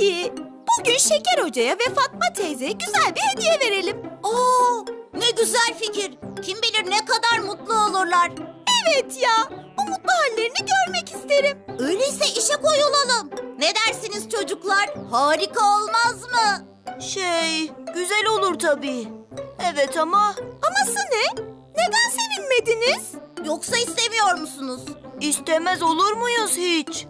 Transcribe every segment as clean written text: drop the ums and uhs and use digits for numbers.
ki bugün Şeker Hoca'ya ve Fatma teyzeye güzel bir hediye verelim. Oo, ne güzel fikir. Kim bilir ne kadar mutlu olurlar. Evet ya, o mutlu hallerini görmek isterim. Öyleyse işe koyulalım. Ne dersiniz çocuklar? Harika olmaz mı? Güzel olur tabii. Evet ama Aması ne? Neden sevinmediniz? Yoksa istemiyor musunuz? istemez olur muyuz hiç?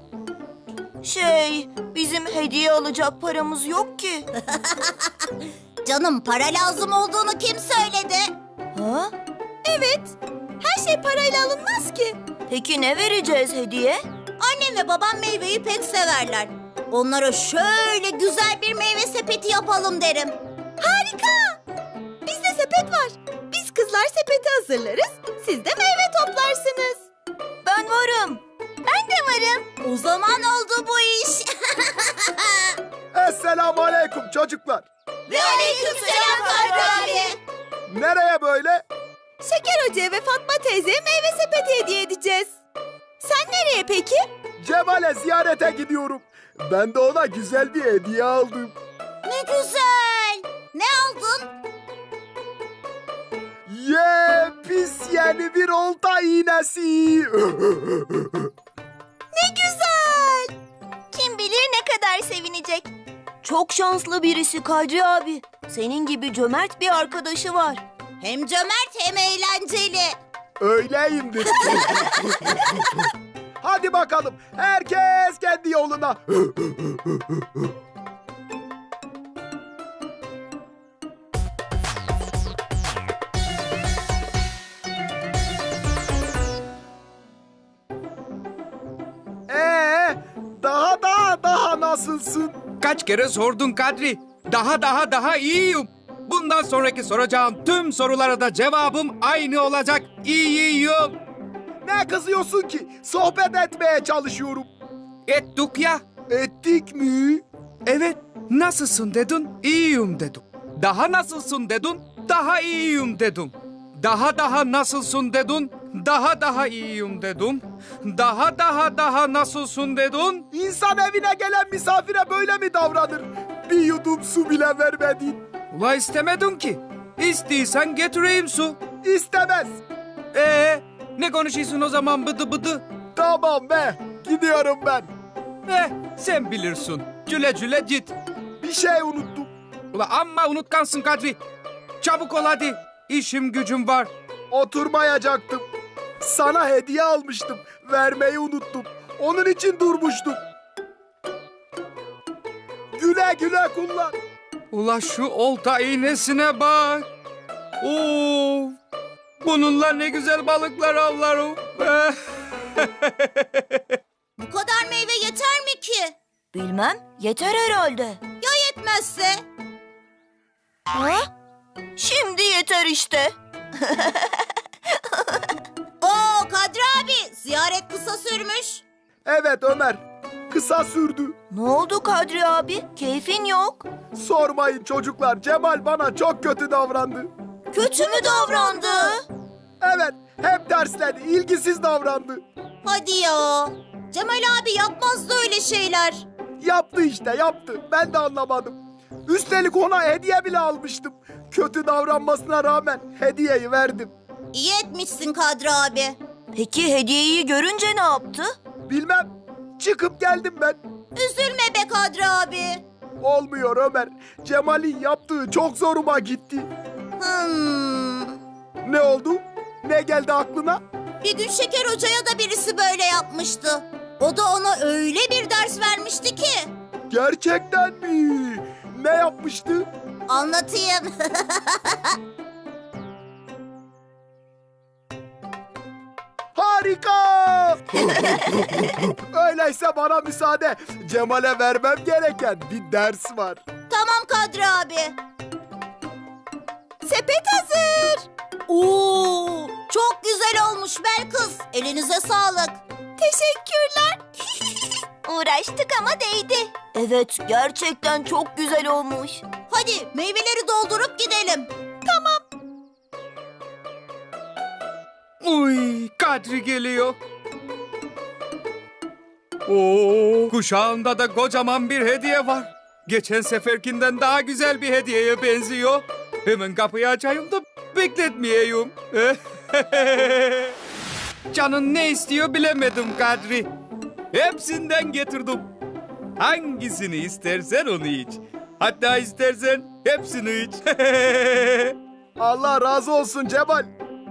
Bizim hediye alacak paramız yok ki. Canım, para lazım olduğunu kim söyledi? Ha? Evet, her şey parayla alınmaz ki. Peki ne vereceğiz hediye? Annem ve babam meyveyi pek severler. Onlara şöyle güzel bir meyve sepeti yapalım derim. Harika! Bizde sepet var. Biz kızlar sepeti hazırlarız, siz de meyve toplarsınız. Ben varım. Ben de varım. O zaman oldu bu iş. Esselamu aleyküm çocuklar. Ve aleykümselam Kadri abi. Nereye böyle? Şeker Hoca'ya ve Fatma teyzeye meyve sepeti hediye edeceğiz. Sen nereye peki? Cemal'e ziyarete gidiyorum. Ben de ona güzel bir hediye aldım. Ne güzel. Ne aldın? Pis yeni bir olta iğnesi. Ne güzel! Kim bilir ne kadar sevinecek. Çok şanslı birisi Kadri abi. Senin gibi cömert bir arkadaşı var. Hem cömert hem eğlenceli. Öyleyimdir. Hadi bakalım, herkes kendi yoluna. Daha nasılsın? Kaç kere sordun Kadri? Daha iyiyim. Bundan sonraki soracağım tüm sorulara da cevabım aynı olacak. İyiyim. Ne kızıyorsun ki? Sohbet etmeye çalışıyorum. Ettik ya. Ettik mi? Evet. Nasılsın dedin? İyiyim dedim. Daha nasılsın dedin? Daha iyiyim dedim. Daha nasılsın dedin? Daha iyiyim dedim. Daha nasılsın dedin? İnsan evine gelen misafire böyle mi davranır? Bir yudum su bile vermedin. Ula istemedin ki. İstiysen getireyim su. İstemez. Ne konuşuyorsun o zaman bıdı bıdı? Tamam be, gidiyorum ben. Sen bilirsin. Güle güle git. Bir şey unuttum. Ula amma unutkansın Kadri. Çabuk ol hadi. İşim gücüm var. Oturmayacaktım. Sana hediye almıştım. Vermeyi unuttum. Onun için durmuştum. Güle güle kullan. Ula şu olta iğnesine bak. Oo, bununla ne güzel balıklar avlarım. Bu kadar meyve yeter mi ki? Bilmem, yeter herhalde. Ya yetmezse? Ha? Şimdi yeter işte. Oo Kadri abi, ziyaret kısa sürmüş. Evet Ömer, kısa sürdü. Ne oldu Kadri abi? Keyfin yok. Sormayın çocuklar, Cemal bana çok kötü davrandı. Kötü mü davrandı? Evet, hep dersledi, ilgisiz davrandı. Hadi ya. Cemal abi yapmazdı öyle şeyler. Yaptı işte, yaptı. Ben de anlamadım. Üstelik ona hediye bile almıştım. Kötü davranmasına rağmen hediyeyi verdim. İyi etmişsin Kadri abi. Peki hediyeyi görünce ne yaptı? Bilmem, çıkıp geldim ben. Üzülme be Kadri abi. Olmuyor Ömer. Cemal'in yaptığı çok zoruma gitti. Ne oldu? Ne geldi aklına? Bir gün Şeker Hoca'ya da birisi böyle yapmıştı. O da ona öyle bir ders vermişti ki. Gerçekten mi? Ne yapmıştı? Anlatayım. Harika! Öyleyse bana müsaade. Cemal'e vermem gereken bir ders var. Tamam Kadri abi. Sepet hazır. Oo, çok güzel olmuş Belkıs. Elinize sağlık. Teşekkürler. Uğraştık ama değdi. Evet, gerçekten çok güzel olmuş. Hadi meyveleri doldurup gidelim. Uy, Kadri geliyor. Oo, kuşağında da kocaman bir hediye var. Geçen seferkinden daha güzel bir hediyeye benziyor. Hemen kapıyı açayım da bekletmeyeyim. Canın ne istiyor bilemedim Kadri. Hepsinden getirdim. Hangisini istersen onu iç. Hatta istersen hepsini iç. Allah razı olsun Cemal.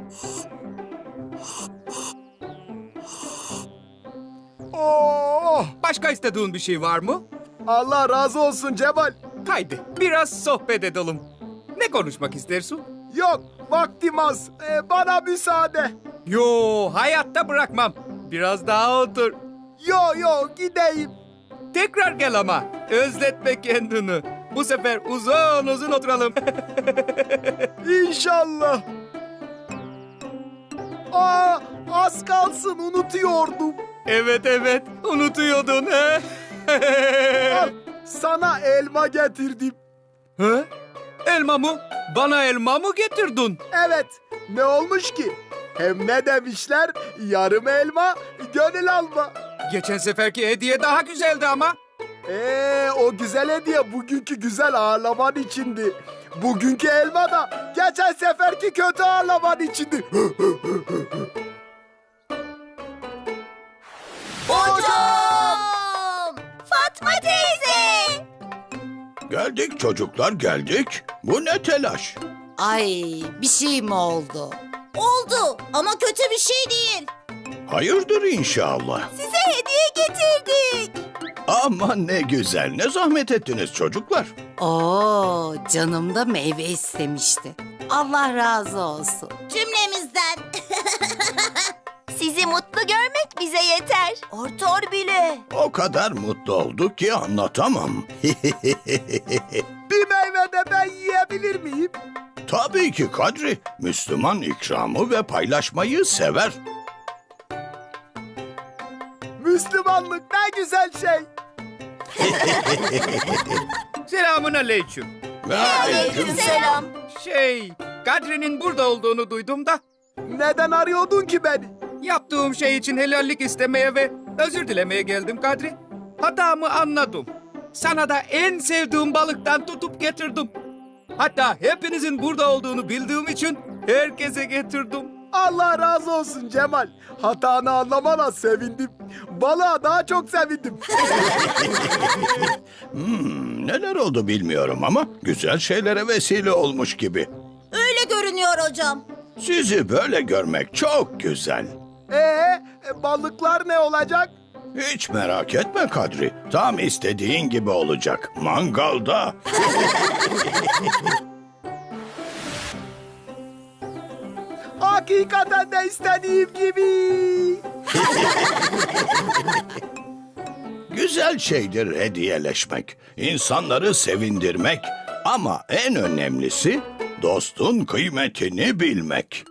Oh, Başka istediğin bir şey var mı? Allah razı olsun Cemal. Haydi biraz sohbet edelim. Ne konuşmak istersin? Yok, vaktim az. Bana müsaade. Yo, hayatta bırakmam. Biraz daha otur. Yo, gideyim. Tekrar gel ama. Özletme kendini. Bu sefer uzun uzun oturalım. İnşallah. Az kalsın unutuyordum. Evet, unutuyordun. He? Al, sana elma getirdim. He? Elma mı? Bana elma mı getirdin? Evet, ne olmuş ki? Hem ne demişler? Yarım elma, gönül alma. Geçen seferki hediye daha güzeldi ama. O güzel hediye bugünkü güzel ağırlaman içindi. Bugünkü elma da geçen seferki kötü ağırlaman içindi. Hocam! Fatma teyze! Geldik çocuklar geldik. Bu ne telaş? Ay, bir şey mi oldu? Oldu ama kötü bir şey değil. Hayırdır inşallah. Size hediye getirdik. Aman ne güzel. Ne zahmet ettiniz çocuklar. Oo, canım da meyve istemişti. Allah razı olsun. Cümlemizden. Sizi mutlu görmek bize yeter. Artar bile. O kadar mutlu olduk ki anlatamam. Bir meyve de ben yiyebilir miyim? Tabii ki Kadri. Müslüman ikramı ve paylaşmayı sever. Müslümanlık ne güzel şey. Selamun aleyküm. Ve Aleykümselam. Kadri'nin burada olduğunu duydum da Neden arıyordun ki beni? yaptığım şey için helallik istemeye ve özür dilemeye geldim Kadri. Hatamı anladım. Sana da en sevdiğim balıktan tutup getirdim. Hatta hepinizin burada olduğunu bildiğim için herkese getirdim. Allah razı olsun Cemal. Hatanı anlamana sevindim. Balığa daha çok sevindim. neler oldu bilmiyorum ama güzel şeylere vesile olmuş gibi. Öyle görünüyor hocam. Sizi böyle görmek çok güzel. Balıklar ne olacak? Hiç merak etme Kadri. Tam istediğin gibi olacak. Mangalda. Hakikaten de istediğim gibi. Güzel şeydir hediyeleşmek. İnsanları sevindirmek. Ama en önemlisi dostun kıymetini bilmek.